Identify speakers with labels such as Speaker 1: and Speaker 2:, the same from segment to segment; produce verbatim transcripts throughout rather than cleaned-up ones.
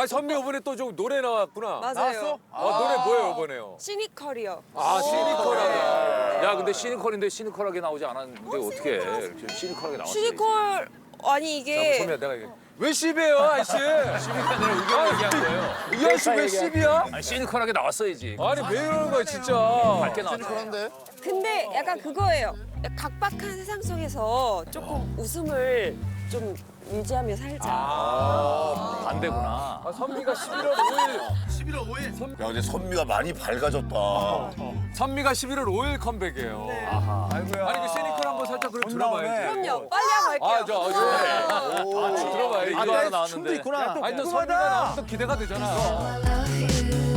Speaker 1: 아 선미 이번에 또 좀 노래 나왔구나.
Speaker 2: 맞아요.
Speaker 1: 아, 노래 뭐예요 이번에요?
Speaker 2: 시니컬이요.
Speaker 1: 아 시니컬하게.
Speaker 3: 야 근데 시니컬인데 시니컬하게 나오지 않았는데 어떻게 지금 시니컬하게 나왔어?
Speaker 2: 시니컬 아니 이게
Speaker 1: 선미야 내가 이게 왜 씹이에요 아저씨?
Speaker 3: 시니컬 아니라 의견 얘기한 거예요.
Speaker 1: 이 아저씨 왜 씹이야?
Speaker 3: 아니 시니컬하게 나왔어야지.
Speaker 1: 아니 왜 이러는 거야 진짜.
Speaker 3: 밝게 나왔어.
Speaker 2: 근데 약간 그거예요. 각박한 세상 속에서 조금 웃음을 좀 유지하며 살자.
Speaker 3: 반대구나.
Speaker 1: 아, 선미가 십일월 오일.
Speaker 4: 야 근데 선미가 많이 밝아졌다.
Speaker 1: 선미가 십일월 오일 컴백이에요. 아이고야. 아니 그 시니컬 한번 살짝 그럼 들어봐야지.
Speaker 2: 그럼요. 빨리 하고 할게요.
Speaker 1: 아, 저, 저, 아, 들어봐요. 이거
Speaker 3: 이거 하나 나왔는데.
Speaker 1: 아니, 너 선미가 나오면 또 기대가 되잖아.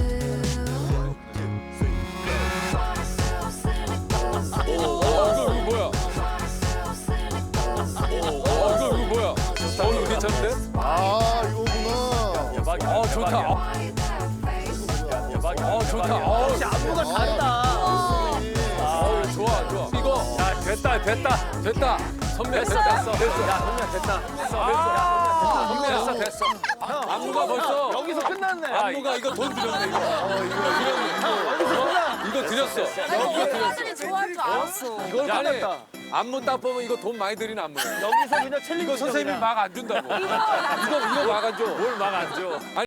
Speaker 1: 어, 이거, 이거 뭐야? 어, 이거, 이거 뭐야? 어, 이거 괜찮은데?
Speaker 4: 아 이거구나.
Speaker 3: 대박이야.
Speaker 1: 어, 좋다. 어,
Speaker 3: 대박이야.
Speaker 1: 어, 좋다. 어,
Speaker 3: 안무가 다르다.
Speaker 1: 어, 좋아, 좋아. 이거,
Speaker 3: 야 됐다 됐다.
Speaker 1: 됐다. 선미야, 됐다.
Speaker 3: 됐어. 됐어. 야 선미야 됐다. 됐어.
Speaker 1: 아,
Speaker 3: 됐어.
Speaker 1: 선미야, 됐어. 안무가 벌써.
Speaker 3: 여기서 끝났네.
Speaker 1: 안무가 이거 돈 들였네, 이거. 어, 이거, 이거, 이거 들였어.
Speaker 2: 아니 사람들이 좋아할 줄 알았어.
Speaker 1: 이걸 아니, 안무 딱 보면 이거 돈 많이 들이는 안무야.
Speaker 3: 여기서 그냥 챌린지.
Speaker 1: 이거 선생님이 막 안 준다고. 이거, 이거 막 안 줘.
Speaker 3: 뭘 막 안 줘.